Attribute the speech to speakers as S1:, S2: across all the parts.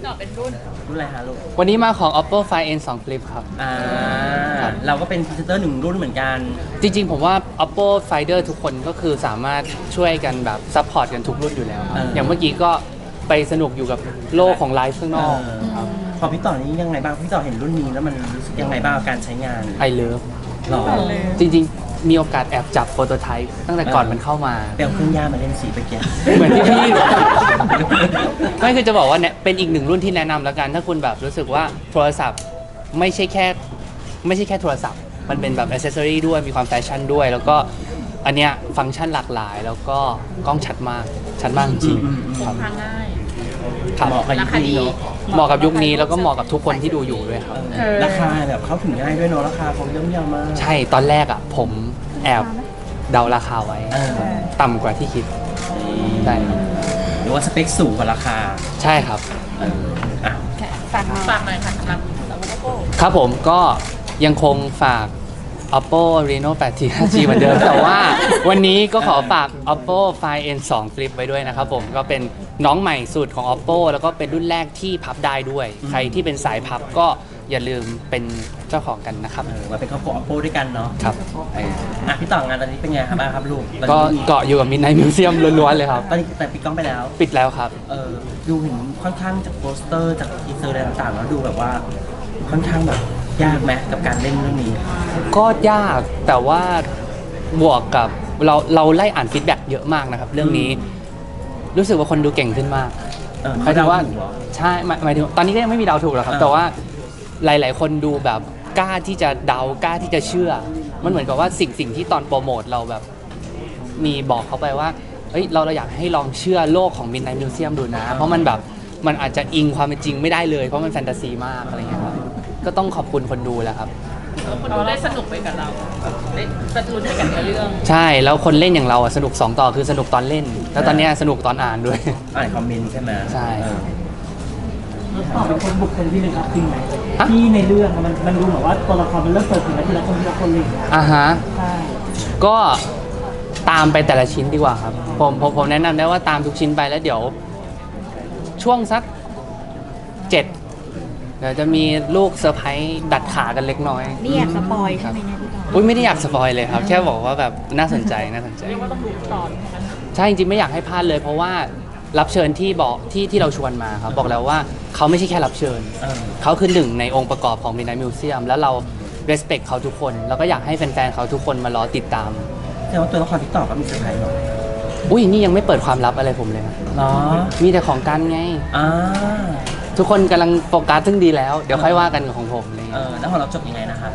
S1: ต่อเป็นรุ่น
S2: อะไรฮะลูก
S3: วันนี้มาของ Oppo Find N2 Flip ครับ
S2: เราก็เป็นพรีเซนเตอร์หนึ่งรุ่นเหมือนกัน
S3: จริงๆผมว่า Oppo Finder ทุกคนก็คือสามารถช่วยกันแบบซัพพอร์ตกันทุกรุ่นอยู่แล้วอย่างเมื่อกี้ก็ไปสนุกอยู่กับโลกของไลฟ์ข้างนอก
S2: พอพี่ต่อนี้ยังไงบ้างพี่ต่อเห็นรุ่นนี้แล้วมันรู้สึกยังไงบ้างกับการใช้งาน
S3: I love
S2: หรอ
S3: จริงๆมีโอกาสแอบจับโปรโตไทป์ตั้งแต่ก่อนมันเข้ามา
S2: เปลวเครื่องย่ามาเล่นสีไปแก
S3: เหมือนที่พี่ไม่คือจะบอกว่าเนี่ยเป็นอีกหนึ่งรุ่นที่แนะนำแล้วกันถ้าคุณแบบรู้สึกว่าโทรศัพท์ไม่ใช่แค่โทรศัพท์มันเป็นแบบอ c เซสซอรี่ด้วยมีความแฟชั่นด้วยแล้วก็อันเนี้ยฟังก์ชันหลากหลายแล้วก็กล้องชัดมากจริงๆครับ
S1: ง่าย
S2: เหมาะกับยุคนี้
S3: เหมาะกับยุคนี้แล้วก็เหมาะกับทุกคนที่ดูอยู่ด้วยครับ
S2: ราคาแบบเข้าถึงง่ายด้วยเนาะราคาเขาย่อมเยาว์มาก
S3: ใช่ตอนแรกอ่ะผมแอบเดาราคาไว้ต่ำกว่าที่คิดใช่
S2: หรือว่าสเปคสูงกว่าราคา
S3: ใช่ครับ
S1: ฝากหน่อยค่ะสำหรับ Oppo
S3: ครับผมก็ยังคงฝาก Oppo Reno 8T 5G เหมือนเดิมแต่ว่าวันนี้ก็ขอฝาก Oppo Find N2 Flip ไว้ด้วยนะครับผมก็เป็นน้องใหม่สุดของ Oppo แล้วก็เป็นรุ่นแรกที่พับได้ด้วยใครที่เป็นสายพับก็อย่าลืมเป็นเจ้าของกันนะครับ
S2: มาเป็นครอบครัว Oppo ด้วยกันเนาะ
S3: ครับ
S2: พี่ต่องานตอนนี้เป็นไงครับบ้างครับลูก
S3: ก็เกาะอยู่กับ Midnight Museum ล้วนๆเลยครับ
S2: ตอนนี้แต่ปิดกล้องไปแล้ว
S3: ปิดแล้วครับ
S2: ดูเห็นค่อนข้างจากโปสเตอร์จากทีเซอร์อะไรต่างๆแล้วดูแบบว่าค่อนข้างแบบยากไหมกับการเล่นเรื่องนี้
S3: ก็ยากแต่ว่าบวกกับเราไล่อ่านฟีดแบ็กเยอะมากนะครับเรื่องนี้รู้สึกว่าคนดูเก่งขึ้นมาก
S2: หมายถึงว่า
S3: ใช่หมายถึงตอนนี้ก็ยังไม่มีเดาถูกหรอกครับแต่ว่าหลายๆคนดูแบบกล้าที่จะเดากล้าที่จะเชื่อมันเหมือนกับว่าสิ่งที่ตอนโปรโมทเราแบบมีบอกเขาไปว่าเฮ้ยเราอยากให้ลองเชื่อโลกของ Midnight Museum ดูนะเพราะมันแบบมันอาจจะอิงความเป็นจริงไม่ได้เลยเพราะมันแฟนตาซีมากอะไรเงี้ยครับก็ต้องขอบคุณคนดูแหละครับ
S1: คนดูได้สนุกไปกับเราได้ประจุไปกับเรื่อง
S3: ใช่แล้วคนเล่นอย่างเราสนุก2ต่อคือสนุกตอนเล่นแล้วตอนนี้สนุกตอนอ่านด้วย
S2: อ่านคอมเมนต์ใช่ไหม
S3: ใช่
S4: เป็นคนบุคคลที่หนึ่งครับจริงไหมที่ในเรื่องมันดูเหมือนว่าตัวละครมันเริ่มเปิดเผยทีละคนเลย
S3: ฮะก็ตามไปแต่ละชิ้นดีกว่าครับผมแนะนำได้ว่าตามทุกชิ้นไปแล้วเดี๋ยวช่วงสัก7เดี๋ยวจะมีลูกเซอร์ไพรส์ดัดขากันเล็กน้อย
S5: นี่อยากสปอยใช่ไหมเนี่ยพี่ต่อ
S3: อุ้ยไม่ได้อยากสปอยเลยครับแค่บอกว่าแบบน่าสนใจเรี
S1: ยกว่าต้องดูตอน
S3: ใช่จริงๆไม่อยากให้พลาดเลยเพราะว่ารับเชิญที่บอกที่เราชวนมาครับบอกแล้วว่าเขาไม่ใช่แค่รับเชิญเขาคือหนึ่งในองค์ประกอบของ Midnight Museum แล้วเรา respect เขาทุกคนแล้วก็อยากให้แฟนๆเขาทุกคนมารอติดตาม
S2: แต่ว่าตัวละครที่ต่อก็มีเซอร์ไพรส์หรอ
S3: อุ้ยนี่ยังไม่เปิดความลับอะไรผมเลย
S2: เนาะ
S3: มีแต่ของกันไงทุกคนกำลังโฟกัสซึ่งดีแล้วเดี๋ยวค่อยว่ากันกับของผมเลย
S2: แล้วของเราจบยังไงนะคะ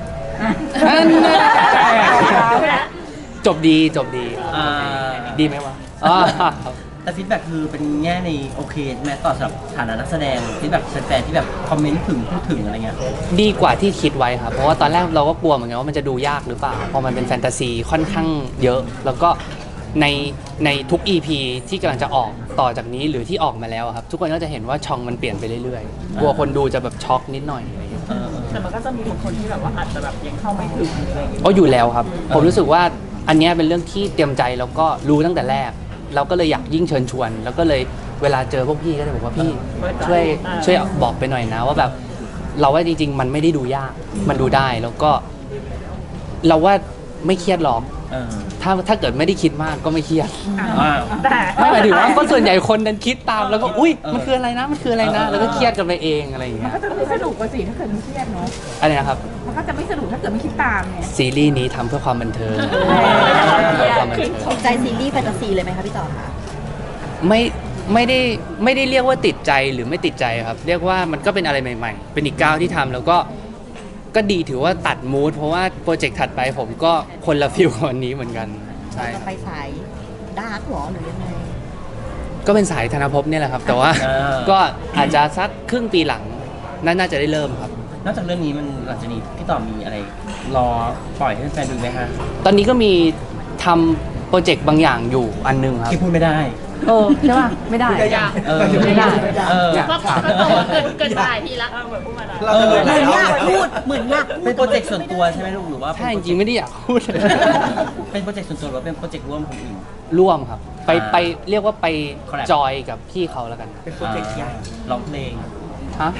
S3: จบดีดีไหมวะ
S2: แต่ฟีดแบ็กคือเป็นแง่ในโอเคแม้ต่อสำหรับฐานะนักแสดงฟีดแบ็กแฟนๆที่แบบคอมเมนต์ถึงพูดถึงอะไรเงี้ย
S3: ดีกว่าที่คิดไว้ครับเพราะว่าตอนแรกเราก็กลัวเหมือนกันว่ามันจะดูยากหรือเปล่าเพราะมันเป็นแฟนตาซีค่อนข้างเยอะแล้วก็ในทุก EP ที่กำลังจะออกต่อจากนี้หรือที่ออกมาแล้วครับทุกคนก็จะเห็นว่าช่องมันเปลี่ยนไปเรื่อยๆกลัวคนดูจะแบบช็อกนิดหน่อยอะไรอย่างเงี้ย
S1: แต่มันก็จะมีบางคนที่แบบว่าอาจจะแบบยังเข้าไม่ถึงอะไรอย่างเงี้ย
S3: อยู่แล้วครับผมรู้สึกว่าอันนี้เป็นเรื่องที่เตรียมใจแล้วก็รู้ตั้งแต่แรกเราก็เลยอยากยิ่งเชิญชวนแล้วก็เลยเวลาเจอพวกพี่ก็จะบอกว่าพี่ช่วยบอกไปหน่อยนะว่าแบบเราว่าจริงๆมันไม่ได้ดูยากมันดูได้แล้วก็เราว่าไม่เครียดหรอกถ้าเกิดไม่ได้คิดมากก็ไม่เครียดไม่หมายถึงว่าก็ส่วนใหญ่คนนั้นคิดตามแล้วก็อุ้ยมันคืออะไรนะแล้วก็เครียดกันไปเองอะไรอย่างเงี้ย
S1: มันก็จะไม่สนุกกว่าสิถ้าเกิดไม่เครียดเนาะ
S3: อะไรนะครับ
S1: มันก็จะไม่สนุกถ้าเกิดไม่คิดตามไง
S3: ซีรีส์นี้ทำเพื่อความบันเทิง
S5: ถูกใจซีรีส์แฟนตาซีเลยไหมคะพี่ต่อคะ
S3: ไม่ได้เรียกว่าติดใจหรือไม่ติดใจครับเรียกว่ามันก็เป็นอะไรใหม่ๆเป็นอีกก้าวที่ทำแล้วก็ดีถือว่าตัดมูดเพราะว่าโปรเจกต์ถัดไปผมก็คนละฟิลกับวันนี้เหมือนกัน
S5: ใช่ไปสายดาร์กหรอหรือยังไง
S3: ก็เป็นสายธนภพเนี่ยแหละครับแต่ว่าก็อาจจะสักครึ่งปีหลังน่าจะได้เริ่มครับ
S2: นอกจากเรื่องนี้มันหลังจากนี้พี่ต่อมีอะไรรอปล่อยให้แฟนดูไหมฮะ
S3: ตอนนี้ก็มีทำโปรเจกต์บางอย่างอยู่อันนึงครับ
S2: ที่พูดไม่ได้
S3: ใช่ป่ะไม่ได้
S1: ไม่ได้ก็เกินหลายทีละเหมือนพูดมาแล้ว
S5: เหมือนอยากพูด
S2: เป็นโปรเจกต์ส่วนตัวใช่ไหมลูกหรือว่า
S3: ใช่จริงไม่ได้อยากพูด
S2: เป็นโปรเจกต์ส่วนตัวหรือเป็นโปรเจกต์ร่วมคนอื่น
S3: ร่วมครับไปเรียกว่าไปจอยกับพี่เขาแล้วกัน
S2: เป็นโปรเจกต์ใหญ่ร้องเพลง
S3: ฮะ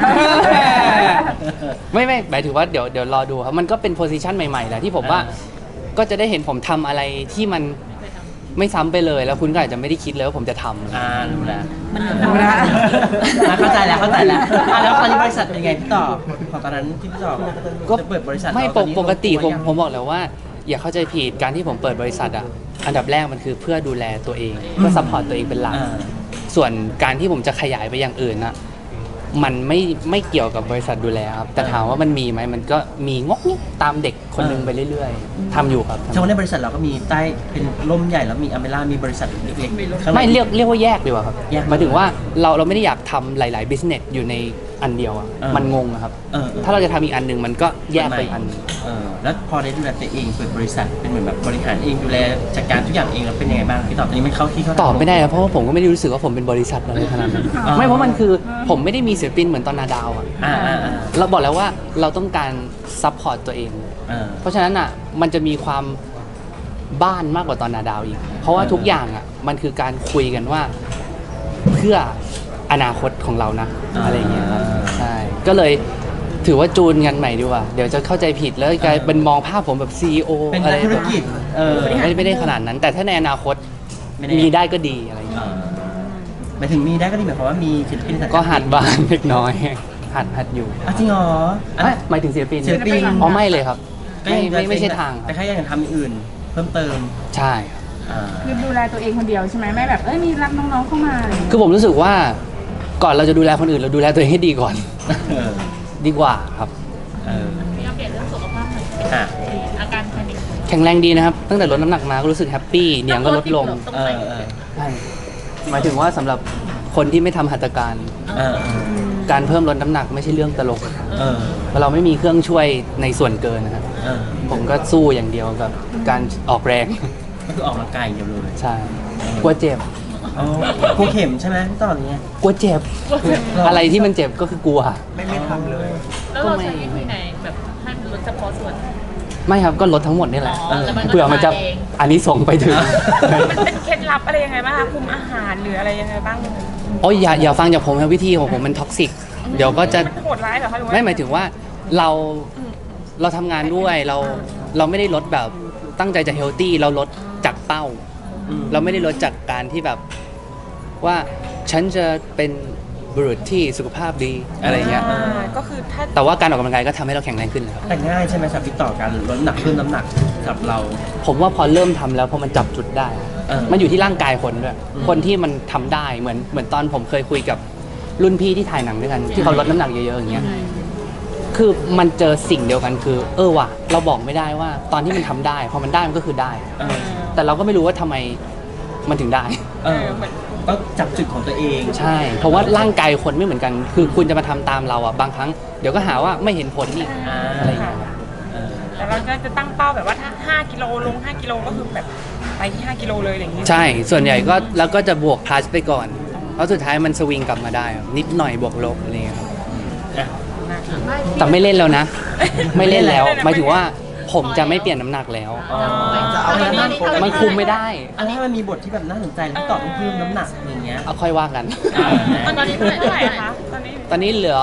S3: ไม่หมายถึงว่าเดี๋ยวรอดูครับมันก็เป็นโพสิชันใหม่ๆแหละที่ผมว่าก็จะได้เห็นผมทำอะไรที่มันไม่ซ้ำไปเลยแล้วคุณก็อาจจะไม่ได้คิดเลยว่าผมจะทำ
S2: รู้แล้ว
S5: รู้แล้ว
S2: เข้าใจแล้วแล้วตอนนี้บริษัทเป็นไงพี่ต่อของตอนนั้นที่พี่ต่อจะเปิดบริษัท
S3: ไม่
S2: แล้วตอนนี้
S3: ปกติ
S2: ลงตัวยัง
S3: ผมบอกแล้วว่า อย่าเข้าใจผิดการที่ผมเปิดบริษัทอ่ะอันดับแรกมันคือเพื่อดูแลตัวเองเพื่อซัพพอร์ตตัวเองเป็นหลัก ส่วนการที่ผมจะขยายไปอย่างอื่นนะมันไม่เกี่ยวกับบริษัทดูแลครับแต่ถามว่ามันมีไหมมันก็มีงกงิกตามเด็กคนหนึงไปเรื่อยๆทำอยู่ครับ
S2: เฉพาะในบริษัทเราก็มีใต้เป็นร่มใหญ่แล้วมีอเมร่ามีบริษัทเล็กๆข้างใน
S3: ไม่เรียกว่าแยกดีกว่าครับ
S2: แยก
S3: หมายถึงว่าเราไม่ได้อยากทำหลาย ๆ business อยู่ในอันเดียวอ่ะ มันงงอะครับ ถ้าเราจะทำอีกอันหนึ่งมันก็แยกไปอีกอันหนึ่ง
S2: แล้วพอได้ดูแลตัวเองเปิดบริษัทเป็นเหมือนแบบบริหารเองดูแลจัดการทุกอย่างเองแล้วเป็นยังไงบ้างพี่ต่อตอนนี้มันเข้าที่เข้าทาง
S3: ตอบไม่ได้ครับเพราะว่าผมก็ไม่ได้รู้สึกว่าผมเป็นบริษัทอะไรขนาดนั้นไม่เพราะมันคือผมไม่ได้มีศิลปินเหมือนตอนนาดาวอ่ะ เราบอกแล้วว่าเราต้องการซัพพอร์ตตัวเอง เพราะฉะนั้นอ่ะมันจะมีความบ้านมากกว่าตอนนาดาวอีก เพราะว่าทุกอย่างอ่ะมันคือการคุยกันว่าเพื่ออนาคตของเรานะอะไรอย่างเงี้ยครับใช่ก็เลยถือว่าจูนกันใหม่ดีกว่าเดี๋ยวจะเข้าใจผิดแล้วกลายเป็นมองภาพผมแบบ CEO
S2: เป็น
S3: อะไร
S2: นักธุรกิจ
S3: ไม่ได้ขนาดนั้น แต่ถ้าในอนาคต
S2: ไม่แน่
S3: มีได้ก็ดีอะไรอย่างเงี้ย
S2: หมายถึงมีได้ก็ดีหมายความว่ามีศิลปินสังกัด
S3: ก็หัดบ้างเล็กน้อยหัดอยู่
S2: จริงเหรอ
S3: หมายถึงศิลปิน
S2: ศิลปิน
S3: อ๋อไม่เลยครับ
S2: ก็ยังจะ
S3: ไม่ใช่ทาง
S2: แต่แค่ยังทำอย่างอื่น เพิ่มเติม
S3: ใช่ครับ
S1: คือดูแลตัวเองคนเดียวใช่ไหมไม่แบบมีรับน้องๆเข้ามาอะไรอย่างเงี้ย
S3: คือผมรู้สึกว่าก่อนเราจะดูแลคนอื่นเราดูแลตัวเองให้ดีก่อน ดีกว่าครับ
S1: มีอัปเดตเรื่องสุขภาพหน่อย
S2: อ่ะ
S1: อาการแพนิค
S3: แข็งแรงดีนะครับ ตั้งแต่ลดน้ำหนักมาก็รู้สึกแฮปปี้เหนียงก็ลดลง
S1: ต้องใส่
S3: ใช่หมายถึงว่าสำหรับคนที่ไม่ทำหัตถการ การเพิ่มลดน้ำหนักไม่ใช่เรื่องตลกเพราะเราไม่มีเครื่องช่วยในส่วนเกินนะครับผมก็สู้อย่างเดียวกับการออกแรง
S2: ก็คือออกกำลังกายอย่างเดียวเลย
S3: ใช่กลัวเจ็บ
S2: กลัวเข็มใช่ไหมพี่ต่อนี้
S3: กลัวเจ็บ อะไรที่มันเจ็บก็คือกลัว
S2: ไม่ทำเลย
S1: แล้วเราใช้วิธีไหนแบบให้มันลดเฉพาะส่วน
S3: ไม่ครับก็ลดทั้งหมดนี่แหละ
S1: แต่มันก็
S3: เผื่อมันจะ
S1: มาเอง
S3: อันนี้ส่งไปถึง
S6: มันเป็นเคล็ดลับอะไรยังไงบ้างคะคุมอาหารหรืออะไรยังไงบ้าง
S3: โอ้ยอย่าฟังจากผมนะวิธีของผมมันท็อกซิกเดี๋ยวก็จะ
S6: มันโหดร้ายเหรอคะหรือว่า
S3: ไม่หมายถึงว่าเราทำงานด้วยเราไม่ได้ลดแบบตั้งใจจะเฮลตี้เราลดจากเป้า เราไม่ได้ลดจากการที่แบบว่าฉันจะเป็นบุรุษที่สุขภาพดีอะไรเงี้ย
S6: ก็คือถ้า
S3: แต่ว่าการออกกำลังกายก็ทำให้เราแข็งแรงขึ้นนะครับ
S2: แต่ง่ายใช่ไหมสำหรับพี่ต่อการลดน้ำหนักเพิ่มน้ำหนักสำหรับเรา
S3: ผมว่าพอเริ่มทำแล้วพอมันจับจุดได้ มันอยู่ที่ร่างกายคนด้วย คนที่มันทำได้เหมือนตอนผมเคยคุยกับรุ่นพี่ที่ถ่ายหนังด้วยกัน ที่เขาลดน้ำหนักเยอะๆอย่างเงี้ยคือมันเจอสิ่งเดียวกันคือว่ะเราบอกไม่ได้ว่าตอนที่มันทำได้พอมันได้มันก็คือได้ แต่เราก็ไม่รู้ว่าทำไมมันถึงได้
S2: ก็จับจุดของตัวเอง
S3: ใช่ เพราะว่าร่างกายคนไม่เหมือนกัน คือคุณจะมาทำตามเราอ่ะบางครั้งเดี๋ยวก็หาว่าไม่เห็นผลอีกอะไรอย่างเงี้ย
S6: แต่เราจะตั้งเป้าแบบว่าถ้า5 กิโลลง 5 กิโลก็คือแบบไปที่ 5 กิโลเลยอย่างนี้
S3: ใช่ ส่วนใหญ่ก็แล้วก็จะบวกพลัสไปก่อนแล้วสุดท้ายมันสวิงกลับมาได้ครับนิดหน่อยบวกลบอะไรเงี้ยครับแต่ไม่เล่นแล้วนะ ไม่เล่นแล้วหมายถึงว่าผมจะไม่เปลี่ยนน้ำหนักแล้ว
S2: จะเอาอะไรบ้าง
S3: มันคุมไม่ได้
S2: อันนี้มันมีบทที่แบบน่าสนใจแล้วพี่ต่อต้องเพิ่มน้ำหนักอย่างเงี้ย
S3: เอาค่อยว่ากัน
S1: ตอนนี้เท่าไหร่
S6: เท่าไหร่อะคะตอนนี้
S3: ตอนนี้เหลือ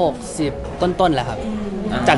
S3: 60 ต้นๆแล้วครับ จาก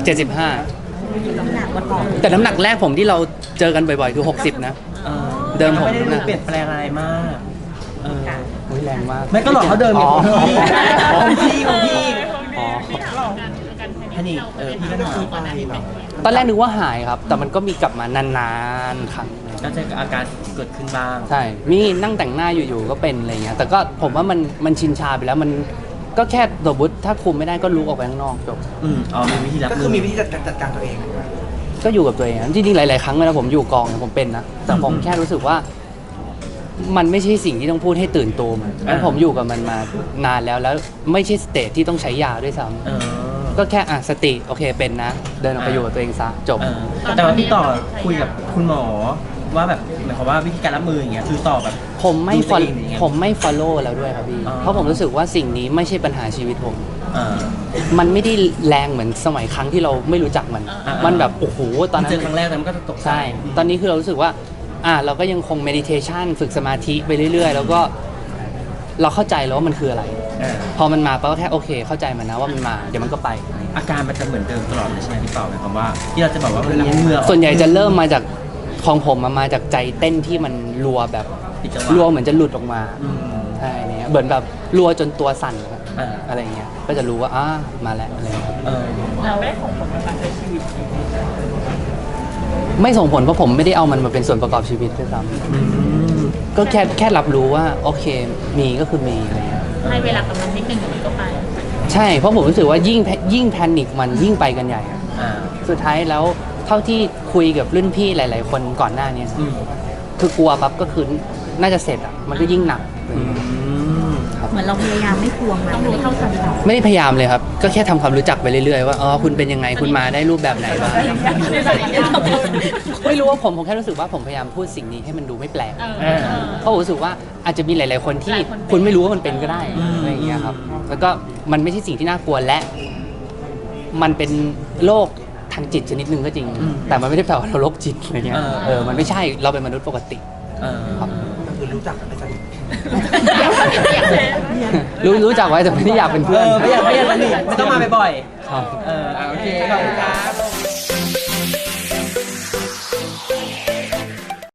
S3: 75 แต่น้ำหนักแรกผมที่เราเจอกันบ่อยๆ คือ 60 นะ เดิมผม
S2: ไม่ได้ดูเปลี่ยนแปลงอะไรมาก
S3: อุ๊ยแรงมาก
S2: ไม่ก็หลอกเขาเดิมอยู่
S3: อ๋อ
S2: ของพี่ของพี่
S3: อ๋อ
S2: แค่นี้พี่ก็ถาม
S3: ตอนแรกนึกว่าหายครับ แต่มันก็มีกลับมานานๆครั้ง
S2: ก็จะอาการเกิดขึ้นบ้าง
S3: ใช่ มีนั่งแต่งหน้าอยู่ๆ ก็เป็นอะไรเงี้ย แต่ก็ผมว่ามันชินชาไปแล้ว มันก็แค่สมมติถ้าคุมไม่ได้ก็ลุกออกไปข้างนอกจบ
S2: มีวิธีรับ
S7: ก็คือมีวิธีจัดการตัวเอง
S3: ก็อยู่กับตัวเองจริงๆ หลายๆ ครั้งเวลาผมอยู่กองเนี่ยผมเป็นนะ แต่ผมแค่รู้สึกว่า มันไม่ใช่สิ่งที่ต้องพูดให้ตื่นตัวมันแล้วผมอยู่กับมันมานานแล้วไม่ใช่สเตจที่ต้องใช้ยาด้วยซ้ำก็แค่สติโอเคเป็นนะ เดินออกไปอยู่กับตัวเองซะจบ
S2: แต่ว่าพี่ต่อคุยกับคุณหมอว่าแบบหมายความว่าวิธีการรับมืออย่างเงี้ยคือต่อแบบ
S3: ผมไม่
S2: ดูตัวเองอย่างเงี้ย
S3: ผมไม่ follow แล้วด้วยครับพี่ เพราะผมรู้สึกว่าสิ่งนี้ไม่ใช่ปัญหาชีวิตผม มันไม่ได้แรงเหมือนสมัยครั้งที่เราไม่รู้จักมัน มันแบบโอ้โหตอนนั้น
S2: เจอครั้งแรกแต่มันก็จะตกใจ
S3: ใช่ ตอนนี้คือเรารู้สึกว่าเราก็ยังคง meditation ฝึกสมาธิไปเรื่อยๆ แล้วก็เราเข้าใจแล้วว่ามันคืออะไร
S2: อ่า
S3: พอมันมาก็แค่โอเค เข้าใจมันนะว่ามันมาเดี๋ยวมันก็ไป
S2: อาการมันจะเหมือนเดิมตลอดเลยใช่ไหมพี่เปาหมายความว่าที่เราจะบอกว่ามันเลี้ยงเหงื่อ
S3: ส่วนใหญ่จะเริ่มมาจากของผมมาจากใจเต้นที่มันรัวแบบ
S2: ผิดจังหวะ
S3: รัวเหมือนจะหลุดออกมา
S2: อืม
S3: ใช่เนี่ยเหมือนแบบรัวจนตัวสั่นครับ
S2: อ่า
S3: อะไรเงี้ยก็จะรู้ว่ามาแล้วอะไรเงี้ย
S2: เออ
S6: เราไม่ได้ส่งผลกับการใช้ชีวิต
S3: ไม่ส่งผลเพราะผมไม่ได้เอามันมาเป็นส่วนประกอบชีวิตด้วยซ้
S2: อืม
S3: ำก็แค่รับรู้ว่าโอเคมีก็คือมีอะไรเงี้ย
S1: ให้เวลากับมันนิดนึงเดี๋ยวมันก็ไป
S3: ใช่เพราะผมรู้สึกว่ายิ่งแพนิคมันยิ่งไปกันใหญ่อะ
S2: อ่า
S3: สุดท้ายแล้วเท่าที่คุยกับรุ่นพี่หลาย ๆ คนก่อนหน้านี้
S2: อืม
S3: คือกลัวปั๊บก็คือน่าจะเสร็จอ่ะมันก็ยิ่งหนัก
S2: อืม
S5: เหมือนเราพยายามไม่ทวงมัน
S1: ต้องรู้เท่าทันเรา
S3: ไม่ได้พยายามเลยครับ ก็แค่ทำความรู้จักไปเรื่อย ๆ ว่าคุณเป็นยังไงคุณมาได้รูปแบบไหนบ้างไม่รู้ว่าผมแค่รู้สึกว่าผมพยายามพูดสิ่งนี้ให้มันดูไม่แปลก เพราะผมรู้สึกว่าอาจจะมีหลาย ๆ คนที่คุณไม่รู้ว่ามันเป็นก็ได้อะไรอย่างเงี้ยครับ แล้วก็มันไม่ใช่สิ่งที่น่ากลัวและ มันเป็นโรคทางจิตชนิดหนึ่งก็จริง แต่มันไม่ได้แปลว่าเราโรคจิตอะไรเงี้ยมันไม่ใช่เราเป็นมนุษย์ปกติ
S2: เออ
S3: ครับ
S7: คือรู้จักกันไม่สนิท
S3: รู้จักไว้แต่ไม่ได้อยากเป็นเพื่อน
S2: ไม่อยากสนิทไม่ต้องมาบ่อย
S3: ครับ
S2: ๆโอเคขอบคุณครับ